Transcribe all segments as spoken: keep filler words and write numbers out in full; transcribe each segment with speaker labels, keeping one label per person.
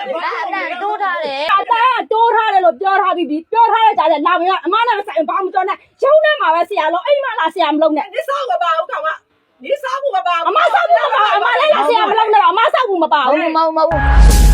Speaker 1: တိုးထားတယ်
Speaker 2: အတန်းတိုးထားတယ်လို့ပြောထားပြီးပြီပြောထားတဲ့ကြားတယ်လာဝင်ကအမနဲ့ဆိုင်ဘာမှမပြောနဲ့ရုံးထဲမှာပဲဆရာလုံးအိမ်မှာလာဆရာမလုံးနဲ့
Speaker 3: 你扫个包，看我，你扫不个包？
Speaker 2: အမဆောက်ဘူးမပါအမလည်းလာဆရာမလုံးနဲ့အမဆောက်ဘူးမပါ
Speaker 1: ဟုတ်
Speaker 2: ဘူး
Speaker 1: မဟုတ်မဟုတ်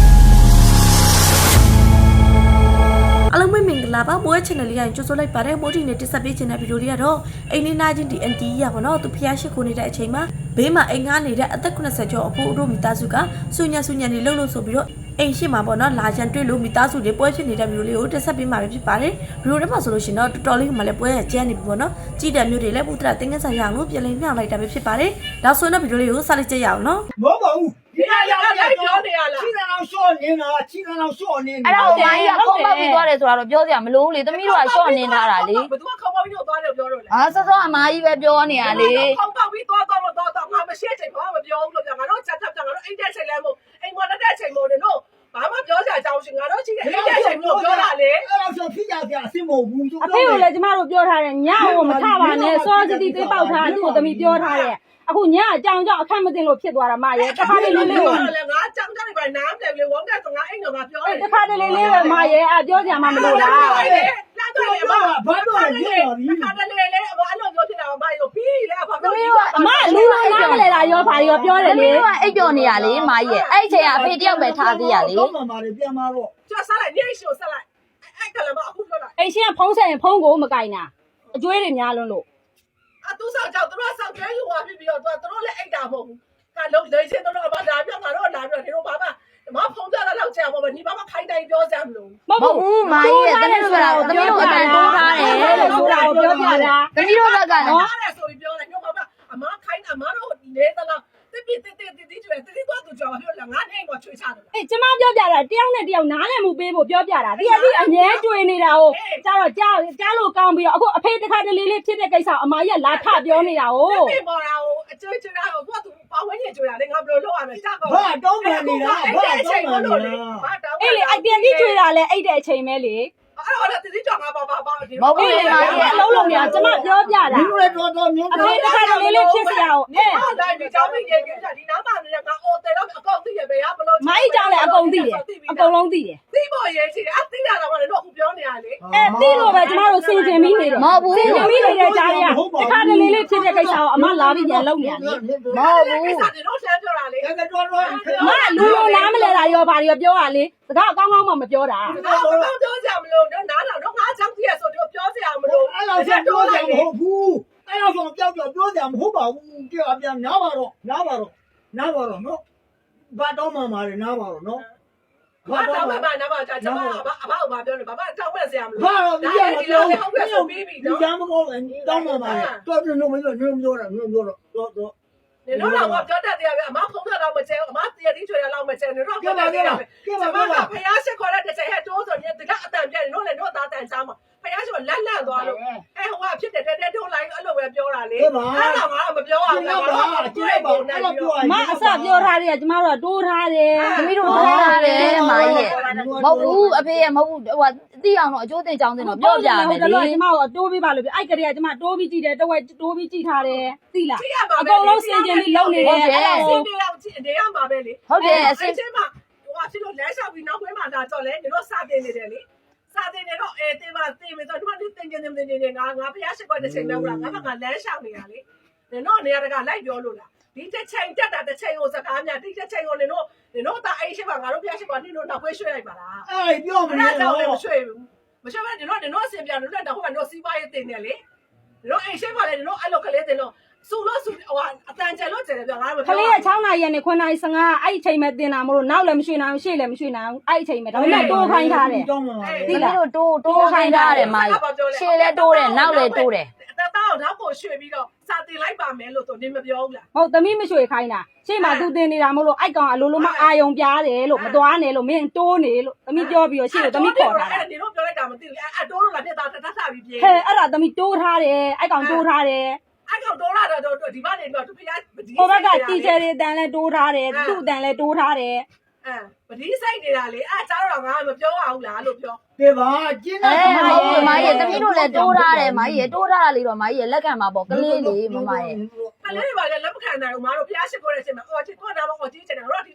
Speaker 4: အားလုံးပဲမင်္ဂလာပါမိုးရဲ့ channel လေးကိုကြိုဆိုလိုက်ပါတယ်မိုးတီနဲ့တက်ဆက်ပေးခြင်းတဲ့ဗီဒီယိုလေးကတော့အိမ်နေနာချင်းဒီ အန်တီကြီးရပါတော့သူဖျားရှိခိုးနေတဲ့အချိန်မှာဘေးမှာအိမ်ငားနေတဲ့အသက်eightyကျော်အဖိုးတို့မိသားစုကဆူညံဆူညံနေလှုပ်လို့ဆိုပြီးတော့အိမ်ရှိမှာပေါ့နော်လာချန်တွေ့လို့မိသားစုတွေပွဲဖြစ်နေတဲ့ဗီဒီယိုလေးကိုတက်ဆက်ပေးမှာပဲဖြစ်ပါတယ်ဗီဒီယိုထဲမှာဆိုလို့ရှိရင်တော့တော်တော်လေးမှလည်းပွဲရကျန်းနေပြီပေါ့နော်ကြည့်တဲ့မျိုးတွေလည်းပုဒ္ဒရာတင်ငန်းဆိုင်ရအောင်လို့ပြင်လင်းမြောက်လိုက်တာပဲဖြစ်ပါတယ်နောက်ဆိုတော့ဗီဒီယိုလေးကိုစလိုက်ကြရအောင်နော်
Speaker 5: မဟုတ်ပါဘူး
Speaker 3: 你那要要ပြောနေရလား
Speaker 5: ခြေကအောင်ရှော့နေတာခြေကအောင်ရှော့နေ
Speaker 1: အဲ့တော့မိုင်းကခုံးပေါက်ပြီးသွားတယ်ဆိုတော့ပြောစရာမလိုဘူးလေသမီးတို့ကရှော့နေထားတာလေ
Speaker 3: ဘယ်သူကခေါင်းပေါက်ပြီးတော့သွားတယ်ပြောတော့လေ
Speaker 1: အာစောစောအမကြီးပဲပြောနေရလေ
Speaker 3: ခေါင်းပေါက်ပြီးသွားသွားမသွားတော့ငါမရှိချိန်ဘာမှမပြောဘူးလို့ပြောငါတို့ချက်ချက်ချက်ငါတို့အိတ်တဲ့ချိန်လဲမို့အိမ်မတက်တဲ့ချိန်မို့နေတော့ဘာမှပြောစရာအကြောင်းရှိငါတို့ရှိတယ်အိတ်တဲ့ချိန်မို့ပြောတာလေ
Speaker 5: အဲ့တော့ဆိုဖြစ်ကြကြအစ်မဟုတ်ဘူး
Speaker 2: အဖေကိုလည်းကျမတို့ပြောထားတယ်ညကိုမထပါနဲ့စောစီတီသေးပေါက်ထားသူ့ကိုသမီးပြောထားတယ်အခုညအကြောင်ကြောင့်အခက်မသိလို့ဖြစ်သွားတာမရဲ့တစ်ခါတည်းလေးလေးကို
Speaker 3: ငါကြောင်ကြောင်ပဲနားတယ်လေဝမ်းတဲ့ငါအိမ်ကငါပြောတယ်
Speaker 2: တစ်ခါတည်းလေးလေးပဲမရဲ့အပြောစရာမှမလိုလား
Speaker 3: လာတော့လေအမဘာတော့လဲခါတယ်လေလေအမအဲ့လိုပြောဖြစ်တာမရောပြီးလေအဖ
Speaker 1: သမီးတို့
Speaker 2: အမလူလိုနားမလဲတာရောဘာရောပြောတယ်
Speaker 1: သမီး
Speaker 2: လေ
Speaker 1: တို့ကအိပ်ပျော်နေရလေမကြီးရဲ့အဲ့အချိန်ကအဖေတယောက်ပဲထားသေးရလေ
Speaker 5: တော့မှမာတယ်ပြန်มาတော့
Speaker 3: ကျဆက်လိုက်နေရှို့ဆက်လိုက်အဲ့ကလည်းမအခုပြောလိုက်
Speaker 2: အိမ်ရှင်ကဖုံးဆက်ရင်ဖုံးကိုမကင်တာအကျွေးတွေများလွန်းလို့
Speaker 3: အတူဆောင်ကြောင့်တို့ဆောက်ကျဲယူသွားပြီးပြီးတော့တို့လည်းအိတ်တာမဟုတ်ဘူးကလုံးလေးချင်းတို့ကဘာလာပြငါတို့လာပြီးတော့ဒီလိုဘာမှမဖုံးကြတာတော့ကြာပါမယ်ဒီဘာမှခိုင်းတိုင်းပြောစမ်းမလို့
Speaker 1: မဟုတ်ဘူးမကြီးရဲ့သမီးတို့ကတော့သမီးတို့အတန်တိုးထားတယ်လို့
Speaker 2: ဆိုတာကိုပြောပြတာ
Speaker 1: သမီးတို့ဘက်ကနော်
Speaker 3: အားရဆိုပြီးပြောတယ်ညဘာမှအမခိုင်းအမတို့နေသလားတိတိတိတိတိကျွဲတိတိတော့သူကြောပြောလာငါနေတော့ချွေချတယ်
Speaker 2: အေးကျမပြောပြတာတယောက်နဲ့တယောက်နားလည်မှုပေးဖို့ပြောပြတာတကယ်ကြီးအငဲတွေ့နေတာကိုကျတော့ကြားကြားလို့ကောင်းပြီးတော့အခုအဖေတစ်ခါတလေလေးဖြစ်တဲ့ကိစ္စအမကြီးကလာထပြောနေတာကို
Speaker 3: ဒီပေါ်လာကိုအကျွေးကျွေးတာကိုသူကသူပါဝင်နေကျွေးတာလေငါဘယ်လိုလုပ်ရမလဲကြောက်ကော
Speaker 5: ဘာတောင်းပန်နေတာဘာတောင်းပန်နေတာ
Speaker 3: ဘာတောင်း
Speaker 2: အေးလေအပြန်ကြီးတွေ့တာလဲအဲ့တဲ့အချိန်ပဲလေ
Speaker 3: အဲ့တော့တိတိကြောက်ငါပါပါပါဒီ
Speaker 2: အေးလေအလုံးလုံးများကျမပြောပြတာ
Speaker 5: ဒီလိုလေတော်တော်မျိုး
Speaker 2: အဖေတစ်ခါတလေလေးဖြစ်စရာကို
Speaker 3: နေ
Speaker 2: အေး
Speaker 3: ဟောတိုင်းဒီကြောင်းမိရေကဒီနားမှာနေငါအော်တယ်တော့အကောင့်သိရပဲရဘလို့
Speaker 2: မိုင်းကြောင်လည်းအကုန်သိတယ်အကုန်လုံးသိတယ်
Speaker 3: သိဖို့ရေးချင်အသိတာတော့လည်းတော့ခုပြောနေရလေ
Speaker 2: အဲသိလို့ပဲကျမတို့စင်ကျင်ပြီးနေတယ်
Speaker 1: မဟုတ်ဘူး
Speaker 2: စင်ကျင်ပြီးနေတဲ့ကြားတွေကတစ်ခါတလေလေးဖြစ်တဲ့ကိစ္စကိုအမလာပြီးပြန်လုပ်နေရတယ်
Speaker 3: မဟုတ်ဘူးကိစ္စတွေတော့ဆန်းပြောတာလေ
Speaker 5: အဲ့ကတော်တော်
Speaker 2: မလူလိုနားမလဲတာရောဘာတွေပြောတာလေစကားအကောင်းကောင်းမှမပြောတာ
Speaker 3: တော့ပြောကြမလို့တော့နားတော့ငါကြောင့်သိရဆိုတော့ပြောစရာမလို
Speaker 5: အဲ့တော့ဆက်ပြောတယ်မဟုတ်ဘူးအဲ့တော့ဆိုပြောပြောပြောတယ်မဟုတ်ပါဘူးကြောက်ပြန်နားပါတော့နားပါတော့နားပါတော့နော်ဘာတော့မှမာတယ်နားပါတော့နော်
Speaker 3: ဘာတော့မှနားပါကြကျမအဘအဘဘာပြောလဲဘာတောင်းဝက်စရာမလို
Speaker 5: ဘာတော့ဒီကပြော
Speaker 3: ဟုတ်ကဲ့ဆိုပြီးပြီ
Speaker 5: ဒီ
Speaker 3: နော်
Speaker 5: ကမကောင်းတောင်းမှမာတယ်တော်တော်လုံးမလို့နင်းပြောတာနင်းပြောတော့တော့တော့
Speaker 3: နေတော့တော့ပြောတတ်တယ်အမဖုံးတာတော့မကျဲအမတရတိချွေတာတော့မကျဲနေတော့ပြောတတ်တယ်ကျမကဖယားရှိခေါ်တဲ့တစ်ချိန်ဟဲ့တိုးဆိုရင်တကအတန်ပြတယ်နော်လေတော့သားတန်ချားမှာဖယားရှိလန့်လန့်သွားလို့အဲဟိုကဖြစ်တယ်တဲတိုးလိုက်အဲ့လိုပဲပြောတာလေအဲ့ဒါကမပြောအောင်လားကျွေးပုံနဲ့ပြော
Speaker 2: မအစပြောထားတယ်ကကျမတို့ကတိုးထားတယ်
Speaker 1: သမီးတို့ထိုးထားတယ်မကြီးရဲ့မဟုတ်ဘူးအဖေရဲ့မဟုတ်ဘူးဟိုသိအောင်တော့အကျိုးတင်ကြောင်းတင်တော့ပြောပြမယ်လေ
Speaker 2: ကျမတို့တိုးပြီးပါလို့ပြအဲ့ကလေးကကျမတိုးပြီးကြည့်တယ်တဝက်တိုးပြီးကြည့်ထားတယ်သိလားအကုန်လုံးစင်ကြင်ပြီးလုပ်နေတယ်
Speaker 3: အဲ့ဒါစင်ပြေအောင်နေရမှာပဲလေ
Speaker 1: ဟုတ်တယ်အစင်
Speaker 3: ချင်းမှာဟိုကဖြစ်လို့လဲလျှောက်ပြီးနောက်ခွဲမှာလာတော့လေနေတော့စတင်နေတယ်လေစတင်နေတော့အဲတင်ပါတင်ပြီးတော့ဒီမှာတင်ကျင်နေနေငါငါဖျားရှိခွက်တစ်ချိန်လောက်လားငါကငါလမ်းလျှောက်နေရလေနေတော့နေရတကလိုက်ပြောလို့လားဒီတစ်ချိန်တက်တာတစ်ချိန်ကိုစကားများဒီတစ်ချိန်ကိုနေတော့နေတော့တာအဲ့ရှိပါငါတို့ဖျားရှိခွက်နေတော့နောက်ခွဲရွှေ့လိုက်ပါလား
Speaker 5: အဲ့ပြောမ
Speaker 3: အဲ့
Speaker 5: နေ
Speaker 3: ဒါကြောင့်
Speaker 5: တော့
Speaker 3: လည်းမရွှေ့ဘူးမရွှေ့ဘဲနေတော့နေတော့အစင်ပြလို့လည်းတော့ဟိုကတော့စီးပွားရေးတင်နေလေနေတော့အဲ့ရှိပါလေနေတော့အဲ့လိုကလေးတင်တော့စူလို့စူဟိုအတန်ကျလို့ကျတယ်ပြောငါမ
Speaker 2: ခလေးက6နာရီနဲ့9နာရီ15အဲ့အချိန်မဲ့တင်တာမလို့နောက်လည်းမရွှေ့နိုင်ဘူးရှေ့လည်းမရွှေ့နိုင်ဘူးအဲ့အချိန်မဲ့ဒါပေမဲ့တိုးခိုင်းထားတယ်
Speaker 5: တောင်းမှမာတယ်
Speaker 1: သမီးတို့တိုးတိုးခိုင်းထားတယ်မကြီးရှေ့လဲတိုးတယ်နောက်လဲတိုးတယ်
Speaker 3: တတောက်တော့ကိုရွှေ့ပြီးတော့စာတင်လိုက်ပါမယ်လို့ဆိုနေမပြောဘူးလား
Speaker 2: ဟုတ်သမီးမရွှေ့ခိုင်းတာရှေ့မှာသူတင်နေတာမလို့အဲ့ကောင်အလိုလိုမအာယုံပြားတယ်လို့မသွားနဲ့လို့မင်းတိုးနေလို့သမီးပြောပြီးတော့ရှေ့ကိုသမီးခေါ်ထားတာ
Speaker 3: နေတော့ပြောလိုက်တာမသိဘူးအဲ့တိုးလို့လားပြတာတတ်တာပြီးပြေး
Speaker 2: ဟဲ့အဲ့ဒါသမီးတိုးထားတယ်အဲ့ကောင်တိုးထားတယ်
Speaker 3: အဲ့ကောင်တိုးလာတော့ဒီဘက်နေတော့သူဖျား
Speaker 2: ဟိုဘက်ကတီချာတွေတန်လဲတိုးထားတယ်သူ့တန်လဲတိုးထားတယ်
Speaker 3: အဲပတိစိုက်နေတာလေအဲ့ကြားတော့ငါမပြောရဘူးလားလို့ပြော
Speaker 5: ပြေပါကျင်း
Speaker 1: အဲ
Speaker 5: တာ
Speaker 1: မဟုတ်ဘူးမကြီးသမီးတို့လည်းတိုးထားတယ်မကြီးတိုးထားတာလေးတော့မကြီးလက်ခံမှာပေါ့ကလေးလေးမမရဲ့
Speaker 3: ကလေးတွေပါလေလက်မခံနိုင်ဘူးမတို့ဖျားရှိခိုးတဲ့အချိန်မှာအော်ချစ်ခေါ်တာပေါ့အော်ကြီးချင်တယ်တို့ဒီတစ်ချိန်ပဲ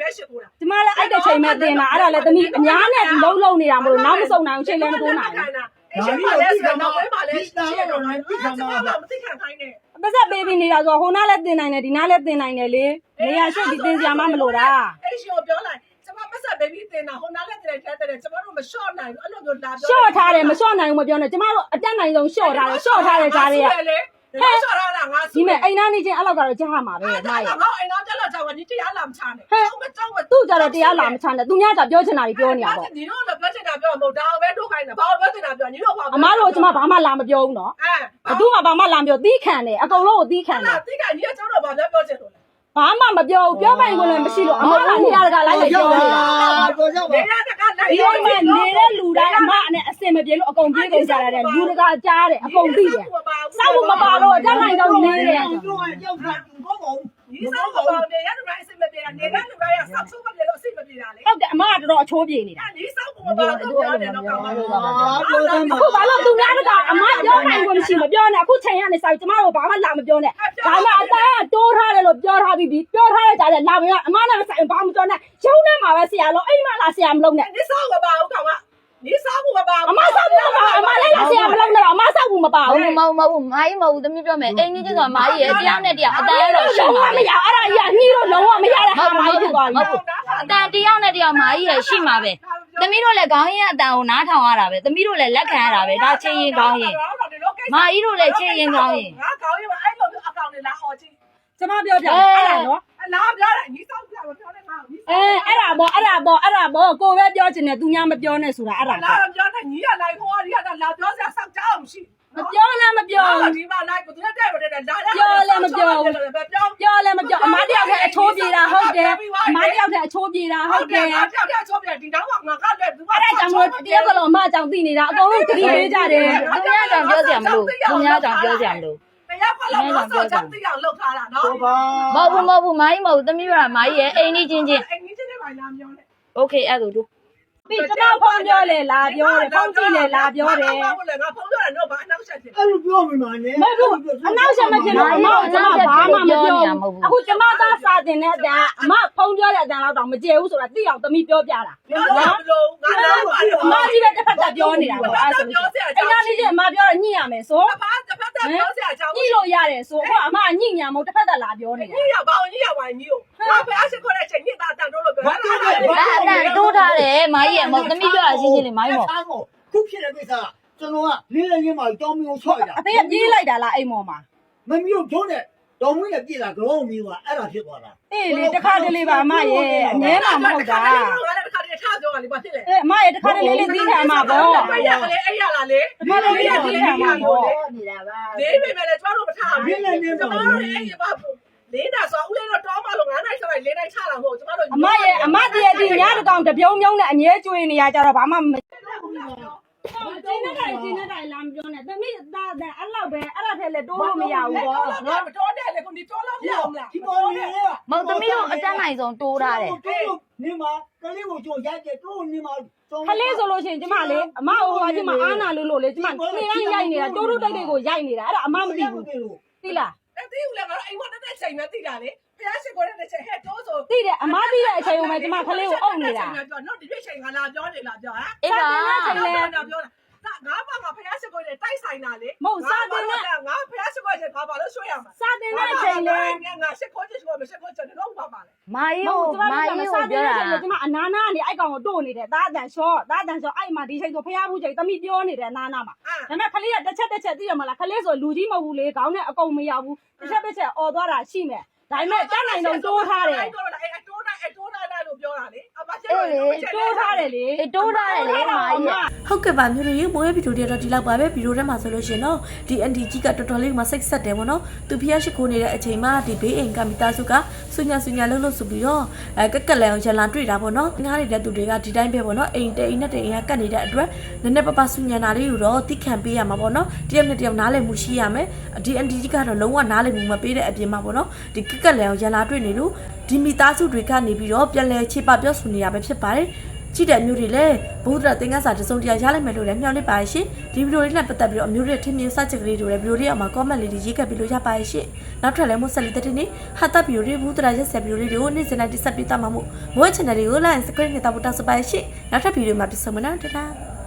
Speaker 3: ရှိခိုးတာ
Speaker 2: ကျမလည်းအဲ့တဲ့ချိန်မဲ့တင်တာအဲ့ဒါလည်းသမီးအများနဲ့လုံးလုံးနေတာမလို့နောက်မဆုံးနိုင်အောင်ချိန်လည်းမတိုးနိုင်ဘူး
Speaker 3: အဲ့ရှိပါလေဆိုတော့ဘယ်မှာလဲရှိရတော့မသိခံပါဘူးမသိခံခိုင်းနဲ့
Speaker 2: ပတ်သက်ပေးပြီးနေတာဆိုဟိုနားလည်းတင်နိုင်တယ်ဒီနားလည်းတင်နိုင်တယ်လေနေရာရှိဒီတင်စရာမှမလိုတာ
Speaker 3: အဲ့ရှိကိုပြောလိုက်ကျမပတ်ဆက်ဘေဘီတင်တာဟိုနားလည်းတင်တယ်တဲ့ကျမတို့မလျှော့နိုင်ဘူးအဲ့လိုမျိုးလာပြော
Speaker 2: ရှော့ထားတယ်မရှော့နိုင်ဘူးမပြောနဲ့ကျမတို့အတက်နိုင်ဆုံးရှော့ထားတယ်ရှော့ထားတဲ့ကြားတွေက
Speaker 3: ဟဲ့လျှော့ထားတာငါ
Speaker 2: ဒီမဲ့အိမ်သားနေချင်းအဲ့လောက်ကတော့ကြားမှာပဲ
Speaker 3: အဲ့
Speaker 2: မာ
Speaker 3: ဒါ
Speaker 2: ရဲ့
Speaker 3: ငါအိမ်သားကြတော့ကြောက်ဒီတရားလာမချနဲ့မကြောက်မ
Speaker 2: သူ့ကြတော့တရားလာမချနဲ့သူများကြပြောချင်တာတွေပြောနေတာပေါ့
Speaker 3: ညီတို့လည်းပြောချင်တာပြောမဟုတ်ဒါပဲထုတ်ခိုင်းတာဘာလို့ပြောချင်တာပြောညီတို့ဘာ
Speaker 2: အမားတို့ကျမဘာမှလာမပြောဘူးနော်
Speaker 3: အဲ
Speaker 2: ဘသူမှဘာမှလာမပြောသီးခံတယ်အကုန်လုံးကိုသီးခံတယ်
Speaker 3: တိကညီကကျတော့ဘာပြောပြောချင်လို့လဲ
Speaker 2: ဘာမှမပြောဘူးပြောပိုင်ခွင့်လည်းမရှိလို့အမားကနေရာတကာလိုက်လိုက်ပြောနေတာ
Speaker 5: ပြောကြပါ
Speaker 3: နေရတကလိုက်
Speaker 2: ဒီအိမ်မှာနေတဲ့လူတိုင်းအမနဲ့အစင်မပြေလို့အကုန်ပြေးကုန်ကြရတယ်လူတကာကြားတယ်အကုန်သိတယ်စောက်မပါလို့အတက်နိုင်တော့နေတယ်
Speaker 5: ပြောရင်ကြောက်တာကောင်းပါဦး
Speaker 3: ဒီစောက်ပေါ်နေရတဲ့ဘက်အစ်မပြေတာနေတဲ့လူတိုင်းကစောက်ဆုံးမပြေလို့အစ်မပြေတာလေ
Speaker 2: ဟုတ်တယ်အမကတော်တော်အချိုးပြေနေတာ
Speaker 3: ဒီစောက်ပေါ်မှာတော့ပြောတယ်တော့ကောင်းပါဘူး
Speaker 5: ပြောတယ်မှာ
Speaker 2: အခုဘာလို့သူများတကအမပြောနိုင်ခွင့်မရှိမပြောနဲ့အခုချိန်ရနေစာကျမတို့ဘာမှလာမပြောနဲ့ဒါမှအတန်းကတိုးထားတယ်လို့ပြောထားပြီးပြီပြောထားတဲ့ကြားတယ်လာမရအမနဲ့မဆိုင်ဘာမှမပြောနဲ့ရုံးထဲမှာပဲဆရာလုံးအိမ်မှာလာဆရာမလုံးနဲ့
Speaker 3: ဒီစောက်မပါဘူးကောင်ကဒီစောက်မပါဘူး
Speaker 2: အမဆောက်မပါအမလည်းလာဆရာမလုံးနဲ့အမဆောက်ဘူးမပါ
Speaker 1: ဟု
Speaker 2: ဘူး
Speaker 1: တ်မဟုတ်မဟုတ်မာကြီးမဟုတ်သမီးပြောမယ်အိမ်ကြီးချင်းဆိုမာကြီးရဲ့တရားနဲ့တရားအတန်ရတော့ရှ
Speaker 2: လုံး
Speaker 1: င်း
Speaker 2: ဝ
Speaker 1: ပါ
Speaker 2: မရအဲ့ဒါကြီးကညှိလို့လုံးဝမရတဲ့ဟာမှဖြစ်သွားပြီ
Speaker 1: အတန်တရားနဲ့တရားမာကြီးရဲ့ရှိမှာပဲသမီးတို့လည်းခေါင်းရင်အတန်ကိုနားထောင်ရတာပဲသမီးတို့လည်းလက်ခံရတာပဲဒါချင်းရင်ခေါင်းရင်မာကြီးတို့လည်းချင်းရင်ခေါင်းရင်
Speaker 3: ငါခေါင်းရင်အဲ့လိုမျိုးအကောင်တွေလာអော်ကြည့်
Speaker 2: ကျမပြောပြအဲ့ဒါနော်
Speaker 3: လာပြောတယ်ညီစောက်ပြောပြောတယ်ငါ
Speaker 2: အဲအဲ့ဒါပေါ့အဲ့ဒါပေါ့အဲ့ဒါပေါ့ကိုပဲပြောချင်တယ်သူများမပြောနဲ့ဆိုတာအဲ့ဒါ
Speaker 3: လာ
Speaker 2: ပေါ့
Speaker 3: ပြောတယ်ညီကလိုက်ခေါ်ရီကလာပြောစရာစောက်ကြအောင်ရှိ
Speaker 2: မပြောလည်းမပြော
Speaker 3: ဒီမှာလိုက်ကိုသူနဲ့တဲ့မတဲ့လာ
Speaker 2: ပြောလည်းမပြော
Speaker 3: ပြော
Speaker 2: ပြောလည်းမပြောအမတယောက်ကအချိုးပြေတာဟုတ်တယ်အမတယောက်ကအချိုးပြေတာဟုတ်တယ်
Speaker 3: ငါပြောပြောချိုးပြဒီတော့ငါကလည်းသူက
Speaker 2: အဲ့ဒါကြောင့်မို့တယောက်ကလုံးအမအကြောင်းသိနေတာအကုန်လုံးသတိပေးကြတယ်
Speaker 1: သူများကြောင့်ပြောစရာမလိုသူများကြောင့်ပြောစရာမလို
Speaker 3: တရားကလည်းမဆောက်ချမ်းသိအောင်လုပ်ထားတာနော်
Speaker 5: ဘာ
Speaker 1: မဟုတ်ဘူးမဟုတ်ဘူးမာကြီးမဟုတ်သမီးပြောတာမာကြီးရဲ့အိမ်ကြီးချင်းချင်း
Speaker 3: အိမ်ကြီးချင်းတွေပါလာပြောတယ်
Speaker 1: โอเคအဲ့ဒါတို့
Speaker 2: ပြီးကျမဖုန်းပြောလေလာပြောတယ်ဖုန်းကြည့်လေလာပြောတယ်
Speaker 3: ငါဖုန်းပြောတယ်တော့ဘာအနောက်ဆက်ဖြစ်
Speaker 5: အဲ့လိုပြောမိမှာနဲ့
Speaker 2: မဟုတ်ဘူးအနောက်ဆက်မဖြစ်လို့အမကကျမဘာမှမပြောဘူးအခုကျမသားစာတင်တဲ့အတန်အမဖုန်းပြောတဲ့အတန်တော့မကျေဘူးဆိုတာသိအောင်သမီးပြောပြတာ
Speaker 3: ပြောလို့ငါလည်း
Speaker 2: အမကြီးပဲတစ်ဖက်ကပြောနေတာပေါ့အဲ့ဆိုလို့အဲ့ဒါလေးချင်းအမပြောတော့ညှိရမယ်ဆို
Speaker 3: ဘာတစ်ဖက်သက်ပြောစရာအကြောင်း
Speaker 2: ညှိလို့ရတယ်ဆိုအခုအမညှိညာမဟုတ်တစ်ဖက်ကလာပြောနေတာ
Speaker 3: ညရပါအောင်ညရပါညကိုငါဖះရှိခေါ်တဲ့ချိန်ညတာတန်တော့လို့ပြောတာ
Speaker 1: အဲ့အတန်တိုးထားတယ်မာကြီးရဲ့မဟုတ်သမီးပြောတာချင်းချင်းလေးမာကြီးမဟုတ်
Speaker 5: ခုဖြစ်တဲ့ကိစ္စကျွန်တော်ကလေးလေးချင်းမှတောင်းမျိုးဆွဲတာ
Speaker 2: အဖေကပြေးလိုက်တာလားအိမ်မော်မှာ
Speaker 5: မမျိုးထုံးတဲ့တော်မွေးနဲ့ပြည်လာကြောင်းမျိုးကအဲ့ဒါဖြစ်သွားတာ
Speaker 2: အေးလေတစ်ခါတလေပါအမရဲ့အငဲမှာမဟုတ်တာ
Speaker 3: ငါလည်းတစ်ခါတည်းထားပြောတာလေဘာဖြစ်လဲ
Speaker 2: အေးအမရဲ့တစ်ခါတလေလေးသိခံမှာပေါ့
Speaker 3: အဲ့ရလေအဲ့ရလားလေ
Speaker 2: တစ်ခါတလေလေးသိခံမှာပေါ့
Speaker 3: လေးပေမဲ့လည်းကျွန်တော်တို့မထားဘူးကျွန်တော်တို့အဲ့ရပါလေးတာဆိုဦးလေးတော့တောင်းပါလို့ငါးနိုင်ဆက်လိုက်လေးနိုင်ချတာမဟုတ်ကျွန်တော်တို့
Speaker 2: အမရဲ့အမတည်းတည်းညတကောင်တပြုံးပြုံးနဲ့အငဲကျွေးနေရကြတော့ဘာမှမကျင်းနေတိုင်းကျင်းနေတိုင်းလာမပြောနဲ့သမီးသားတဲ့အဲ့လောက်ပဲအဲ့ဒါထဲလည်းတိုးလို့မရဘူးပေါ့
Speaker 3: ငါမတော်တဲ့လေကိုဒီတော်လို့ပြအောင်လား
Speaker 5: ဒီပေါ်နေရ
Speaker 1: မဟုတ်သမီးတို့အတန်နိုင်ဆုံးတိုးထားတယ်
Speaker 5: နေမှာကလေးကိုကြိုရိုက်တယ်တို့နေမှာ
Speaker 2: ခလေးဆိုလို့ရှိရင်ကျမလေအမဟိုကကျမအာနာလို့လို့လေကျမနေတိုင်းရိုက်နေတာတိုးတိုးတိတ်တိတ်ကိုရိုက်နေတာအဲ့ဒါအမမသိဘူးသိလား
Speaker 3: အဲ့ဒီဦးလည်းငါအိမ်မတက်တဲ့ချိန်နဲ့သိတာလေဖះရှိခေါ်တဲ့ချိန်ဟဲ့တိုးဆို
Speaker 2: သိတယ်အမသိတဲ့အချိန်မှာကျမခလေးကိုအုပ်နေတာ
Speaker 3: နော်ဒီချိန်ကလာပြောနေလားပြောဟမ်
Speaker 1: အေးပါ
Speaker 3: ပြောတာပြောတာငါဘာမှဖះရှိခေါ်တဲ့တိုက်ဆိုင်တာလေငါဖះရှိခေါ်တဲ့ဘာပါလို့ဆွဲရမှာ
Speaker 2: စာတင်တဲ့အချိန်လေ
Speaker 3: ငါရှိခေါ်ချင်ခေါ်မရှိခေါ်ချင်တော့ဘာပါလဲ
Speaker 1: မာကြီးကိုမာကြီးကိုပြောတာ
Speaker 2: ကျမအနာနာကနေအဲ့ကောင်ကိုတို့နေတယ်ဒါအတန်ရှော့ဒါအတန်ရှော့အဲ့မှာဒီချိန်ဆိုဖះဘူးချိန်တမိပြောနေတယ်အနာနာမှာဒါပေမဲ့ခလေးကတစ်ချက်တစ်ချက်သိရမလားခလေးဆိုလူကြီးမဟုတ်ဘူးလေခေါင်းနဲ့အကုန်မရောက်ဘူးတစ်ချက်တစ်ချက်អော်သွားတာရှိမယ်ဒါပေမဲ့တက်နိုင်တော့တိုးထားတယ်
Speaker 3: အဲ့တိုးတာအဲ့တိုးတာအဲ့တိုးတာလို့ပြောတာလေအမချစ်
Speaker 1: အေးလေ
Speaker 2: တိုးထားတယ်လေ
Speaker 1: အေးတိုးထားတယ်လေမာကြီးရဲ့
Speaker 4: ဟုတ်ကဲ့ပါမျိုးတို့ရေမိုးရဲ့ဗီဒီယိုတွေတော့ဒီလောက်ပါပဲဗီဒီယိုထဲမှာဆိုလို့ရှိရင်တော့ဒီအန်တီကြီးကတော်တော်လေးမှစိတ်ဆက်တယ်ပေါ့နော်သူဖျက်ရှိခိုးနေတဲ့အချိန်မှာဒီဘေးအိမ်ကမိသားစုကဆူညာဆူညာလှုပ်လှုပ်ဆိုပြီးတော့အဲကက်ကက်လန်အောင်ရန်လာတွေ့တာပေါ့နော်ငားနေတဲ့သူတွေကဒီတိုင်းပဲပေါ့နော်အိမ်တိမ်နဲ့တိမ်ကကတ်နေတဲ့အတွက်နည်းနည်းပပဆူညာနာလေးကိုတော့တိခံပေးရမှာပေါ့နော်တယောက်နဲ့တယောက်နားလည်မှုရှိရမယ်ဒီအန်တီကြီးကတော့လုံးဝနားလည်မှုမပေးတဲ့အပြင်မှာပေါ့နော်ဒီကက်ကက်လန်အောင်ရန်လာတွေ့နေလို့ဒီမိသားစုတွေကနေပြီးတော့ပြန်လဲချေပပြောဆိုနေရပဲဖြစ်ပါတယ်ကြည့်တဲ့အမျိုးတွေလည်းဘုဒ္ဓသင်္ကန်းစာတစုံတရာရလိုက်မယ်လို့လည်းမျှော်လင့်ပါရဲ့ရှင်ဒီဗီဒီယိုလေးနဲ့ပတ်သက်ပြီးတော့အမျိုးတွေထင်မြင်စချက်ကလေးတွေလည်းဗီဒီယိုလေးအောက်မှာ comment လေးတွေရေးခဲ့ပြီးလို့ရပါရဲ့ရှင်နောက်ထပ်လည်းမို့ဆက်လက်တဲ့နေ့ဟာတာဗီဒီယိုတွေဘုဒ္ဓရာရက်ဆက်ဗီဒီယိုလေးတွေကိုနေ့စဉ်တိုင်းတင်ဆက်ပေးသွားမှာမို့မိုး channel လေးကို like and subscribe နဲ့တောက်ပို့တောက်စပါရဲ့ရှင်နောက်ထပ်ဗီဒီယိုမှာပြန်ဆုံမယ်နော်တတား